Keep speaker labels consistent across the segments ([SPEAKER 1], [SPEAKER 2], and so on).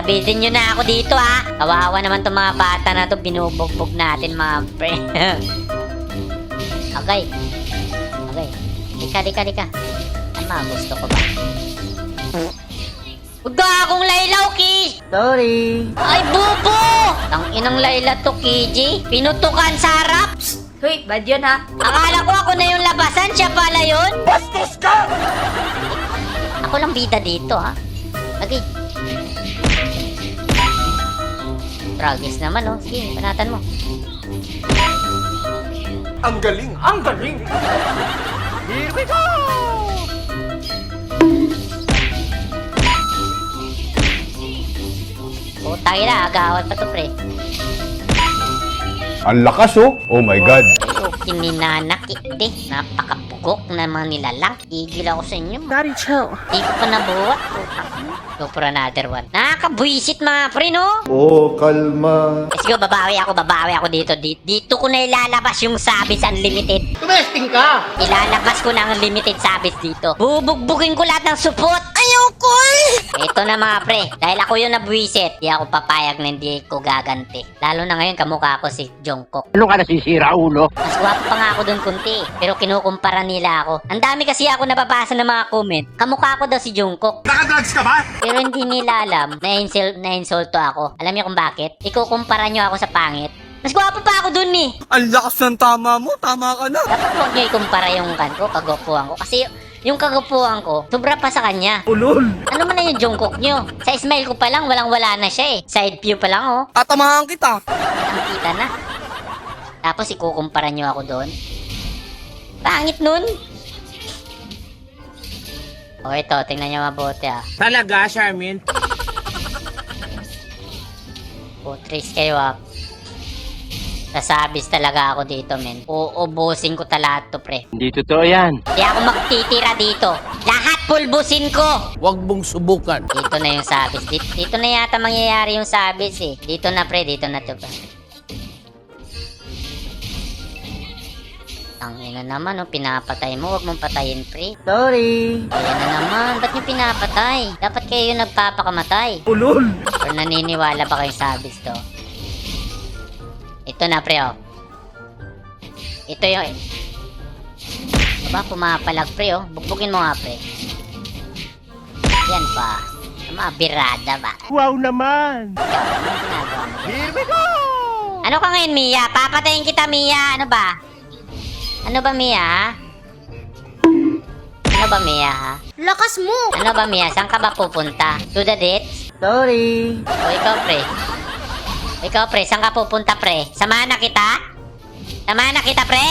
[SPEAKER 1] Sabitin nyo na ako dito ha. Kawawa naman tong mga bata na to. Binubugbog natin mga pre. Okay. Okay. Dika. Ano gusto ko ba? Huwag akong laylaw, Ki!
[SPEAKER 2] Sorry.
[SPEAKER 1] Ay, bubo! Ang inang layla to, Kiji. Pinutukan sa harap.
[SPEAKER 3] Hoy, bad yun ha.
[SPEAKER 1] Akala ko ako na yung labasan. Siya pala yun.
[SPEAKER 2] Bastos ka!
[SPEAKER 1] Ako lang bida dito, ha? Okay. Tragis naman, oh. Sige, panatan mo.
[SPEAKER 2] Ang galing! Ang galing! Here we go!
[SPEAKER 1] Putang ina, agawat pa to, pre.
[SPEAKER 4] Ang lakas oh. Oh my God.
[SPEAKER 1] Oh, kininanakit, eh. Napakapugok na mga nilalang. Igil ako sa inyo.
[SPEAKER 3] Daddy, chill.
[SPEAKER 1] Di ko pa nabuhat. Go for another one. Nakakabuisit mga pre, no?
[SPEAKER 4] Oh, kalma.
[SPEAKER 1] Let's go, babawi ako dito. Dito ko na ilalabas yung Sabis Unlimited.
[SPEAKER 2] Tumesting ka!
[SPEAKER 1] Ilalabas ko na ang Unlimited Sabis dito. Bubugbugin ko lahat ng support. Ayoko eh! Ito na mga pre. Dahil ako yung nabuisit, di ako papayag na hindi ko gaganti. Lalo na ngayon, kamukha ko si Jungkook.
[SPEAKER 5] Ano ka nasisira, ulo?
[SPEAKER 1] Mas gwapo pa nga ako dun kunti. Pero kinukumpara nila ako. Ang dami kasi ako nababasa ng mga comment. Kamukha ko daw si Jungkook.
[SPEAKER 2] Nakadrugs ka ba?
[SPEAKER 1] Pero hindi nila alam na insulto ako. Alam niyo kung bakit? Ikukumpara niyo ako sa pangit. Mas gwapo pa ako dun eh.
[SPEAKER 2] Ang lakas ng tama mo, tama ka na.
[SPEAKER 1] Dapat huwag niyo ikumpara yung kagwapuhan ko. Kasi yung kagwapuhan ko, sobra pa sa kanya.
[SPEAKER 2] Ulol!
[SPEAKER 1] Ano man na yung Jungkook niyo? Sa smile ko pa lang, walang-wala na siya eh. Side view pa lang oh.
[SPEAKER 2] Tatamahan kita.
[SPEAKER 1] Ang kita na. Tapos ikukumpara niyo ako doon. Pangit nun. O ito, tingnan niyo mabuti ah.
[SPEAKER 5] Talaga, Charmin?
[SPEAKER 1] Putris kayo ah. Sasabis talaga ako dito men. Uubusin ko talaga to pre.
[SPEAKER 5] Hindi totoo yan.
[SPEAKER 1] Hindi ako magtitira dito. Lahat pulbusin ko.
[SPEAKER 5] Huwag mong subukan.
[SPEAKER 1] Dito na yung sabis. Dito na yata mangyayari yung sabis eh. Dito na pre, dito na to pre. Ang ina naman, oh, pinapatay mo. Huwag mong patayin, pre.
[SPEAKER 2] Sorry.
[SPEAKER 1] Ayan na naman. Ba't nyo pinapatay? Dapat kayo yung nagpapakamatay.
[SPEAKER 2] Ulol!
[SPEAKER 1] Or naniniwala ba kayo sa abis to? Ito na, pre, oh. Ito yung... Aba, pumapalag, pre, oh. Bugbugin mo nga, pre. Yan pa. Mga birada ba?
[SPEAKER 5] Wow naman!
[SPEAKER 1] Ikaw, anong ginagawa mo?
[SPEAKER 2] Here we go!
[SPEAKER 1] Ano ka ngayon, Mia? Papatayin kita, Mia. Ano ba? Ano ba, Mia, ha? Ano ba, Mia, ha?
[SPEAKER 3] Lakas mo!
[SPEAKER 1] Ano ba, Mia? Saan ka ba pupunta? To the dates?
[SPEAKER 2] Sorry.
[SPEAKER 1] O, ikaw, pre. Ikaw, pre. Saan ka pupunta, pre? Samahan na kita? Samahan na kita, pre?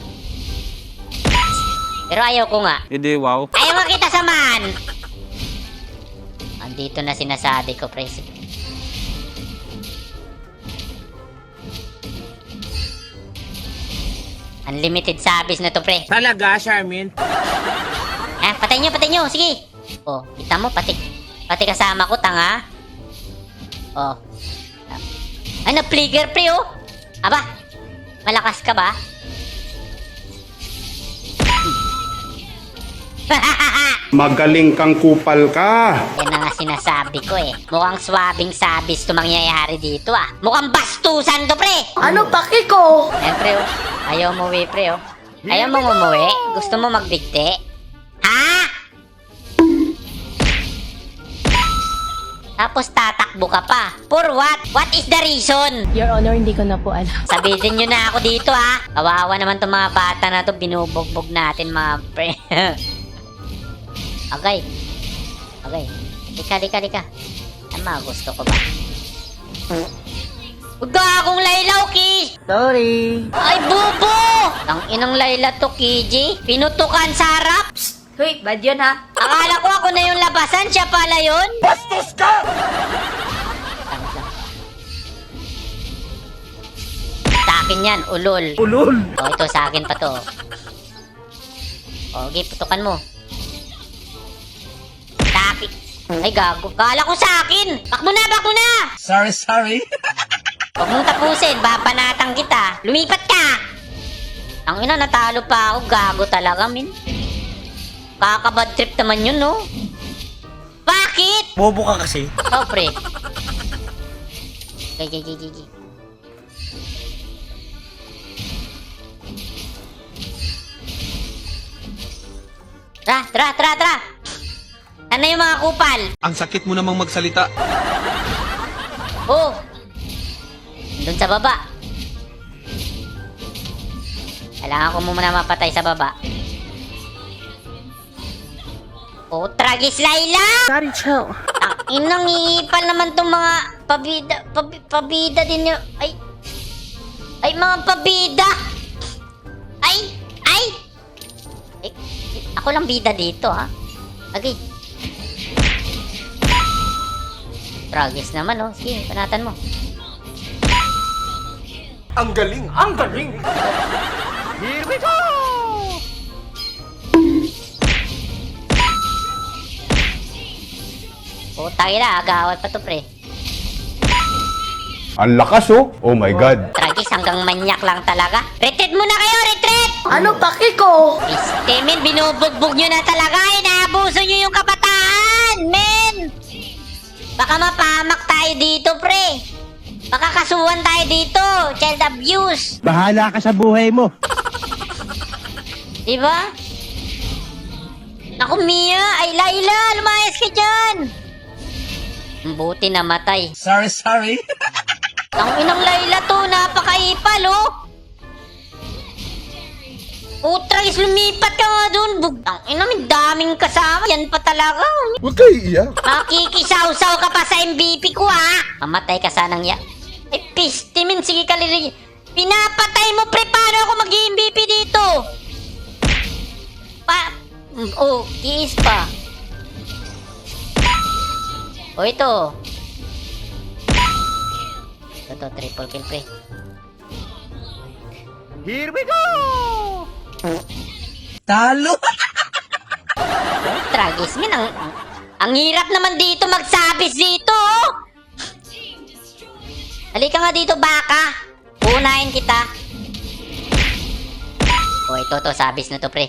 [SPEAKER 1] Pero ayaw ko nga.
[SPEAKER 5] Hindi, wow.
[SPEAKER 1] Ayaw nga kita samahan! Andito na sinasabi ko, pre. Unlimited sabis na to, pre.
[SPEAKER 5] Talaga, Charmin?
[SPEAKER 1] Ah, patay nyo. Sige. Oh, kita mo, pati kasama ko, tanga. Oh. Ay, na-fligger, pre, oh. Aba, malakas ka ba?
[SPEAKER 4] Magaling kang kupal ka.
[SPEAKER 1] Yan na nga sinasabi ko eh. Mukhang swabing sabis to mangyayari dito ah. Mukhang bastusan to, pre.
[SPEAKER 3] Ano paki ko?
[SPEAKER 1] Eh, pre, oh. Ayaw umuwi, pre, oh. Ayaw mong umuwi? Gusto mo magbigti? Ha? Tapos tatakbo ka pa. For what? What is the reason?
[SPEAKER 3] Your Honor, hindi ko na po alam.
[SPEAKER 1] Sabitin nyo na ako dito ha. Kawawa naman tong mga bata na to. Binubugbog natin mga pre. Okay. Dika. Ano mga gusto ko ba? Huwag akong laylaw, Ki!
[SPEAKER 2] Sorry.
[SPEAKER 1] Ay, bubo! Ang inang layla to, Kiji. Pinutukan sa harap.
[SPEAKER 3] Hoy, bad yun ha.
[SPEAKER 1] Akala ko ako na yung labasan. Siya pala yun.
[SPEAKER 2] Bastos ka!
[SPEAKER 1] Sa akin yan, ulol.
[SPEAKER 2] Ulol!
[SPEAKER 1] O, ito sa akin pa to. O, okay, putukan mo. Sa akin. Ay, gago. Kala ko sa akin. Bakmo na!
[SPEAKER 5] Sorry.
[SPEAKER 1] Huwag mong tapusin. Babanatang kita. Lumipat ka! Ang ina, natalo pa ako. Gago talaga, min. Kakabad trip naman yun, no? Bakit?
[SPEAKER 2] Bobo ka kasi.
[SPEAKER 1] Oh, pre. Okay. Tara! Ano yung mga kupal?
[SPEAKER 5] Ang sakit mo namang magsalita.
[SPEAKER 1] Oh! Doon sa baba. Kailangan ko muna mapatay sa baba. Oh, tragis Layla!
[SPEAKER 3] Daddy, chill.
[SPEAKER 1] Ang inang iipal naman tong mga pabida din yun. Ay, mga pabida! Ay! Ako lang bida dito, ha? Okay. Tragis naman, oh. Sige, panatan mo.
[SPEAKER 2] Ang galing! Here we go!
[SPEAKER 1] Oh, tayo na. Agawat pa to, pre.
[SPEAKER 4] Ang lakas oh. Oh my God.
[SPEAKER 1] Tragis, hanggang manyak lang talaga. Retreat muna kayo, retreat!
[SPEAKER 3] Ano paki ko?
[SPEAKER 1] Istemin, binubugbog nyo na talaga. Inaabuso nyo yung kabataan, men! Baka mapahamak tayo dito, pre. Baka kasuhan tayo dito. Child abuse.
[SPEAKER 5] Bahala ka sa buhay mo.
[SPEAKER 1] Diba? Naku, Mia! Ay, Layla! Lumayas ka dyan! Buti namatay.
[SPEAKER 5] Sorry.
[SPEAKER 1] Ang inang Layla to, napakaipal, oh! Utragis, lumipat ka nga dun. Bugtang ina, may daming kasama. Yan pa talaga.
[SPEAKER 4] Huwag kayo iiyak.
[SPEAKER 1] Makikisaw-saw ka pa sa MVP ko, ha? Mamatay ka sanang ya. Ay, pistimin. Sige, kalili. Pinapatay mo, pre. Paano ako mag-MVP dito? Oh, kiis pa. Oh, ito. Ito, triple kill, pre.
[SPEAKER 2] Here we go!
[SPEAKER 5] Talo.
[SPEAKER 1] Tragis, min. Ang hirap naman dito magsabis dito, oh. Halika nga dito, baka. Unahin kita. Oh, ito, sabis na to, pre.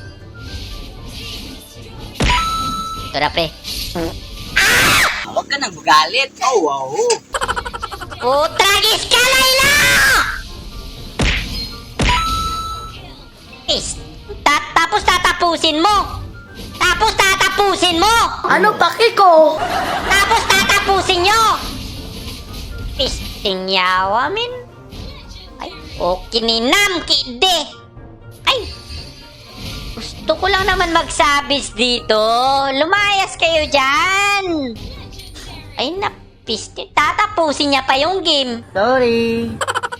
[SPEAKER 1] Ito na, pre.
[SPEAKER 5] Huwag ka nang magalit. Oh, wow.
[SPEAKER 1] Oh, tragis ka, Layla! Tapos tatapusin mo.
[SPEAKER 3] Ano paki ko?
[SPEAKER 1] Tapos tatapusin nyo. Pisting yawa, min. Ay, okay ni Nam, kide. Ay, gusto ko lang naman magsabis dito. Lumayas kayo dyan. Ay, napiste. Tatapusin niya pa yung game.
[SPEAKER 3] Sorry.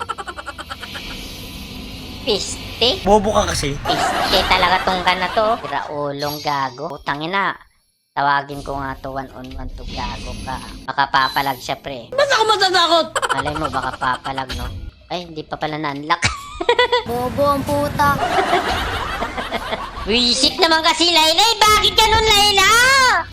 [SPEAKER 1] Piste.
[SPEAKER 5] Bobo ka kasi.
[SPEAKER 1] Piste talaga tong ka na to. Raulong gago. Putangin na. Tawagin ko nga to 1-on-1 to gago ka. Baka papalag siya, pre.
[SPEAKER 5] Ba't ako matatakot?
[SPEAKER 1] Malay mo, baka papalag, no? Ay, hindi pa pala na-unlock.
[SPEAKER 3] Bobo ang puta.
[SPEAKER 1] Wisit naman kasi, Layla. Bakit ganun, Layla?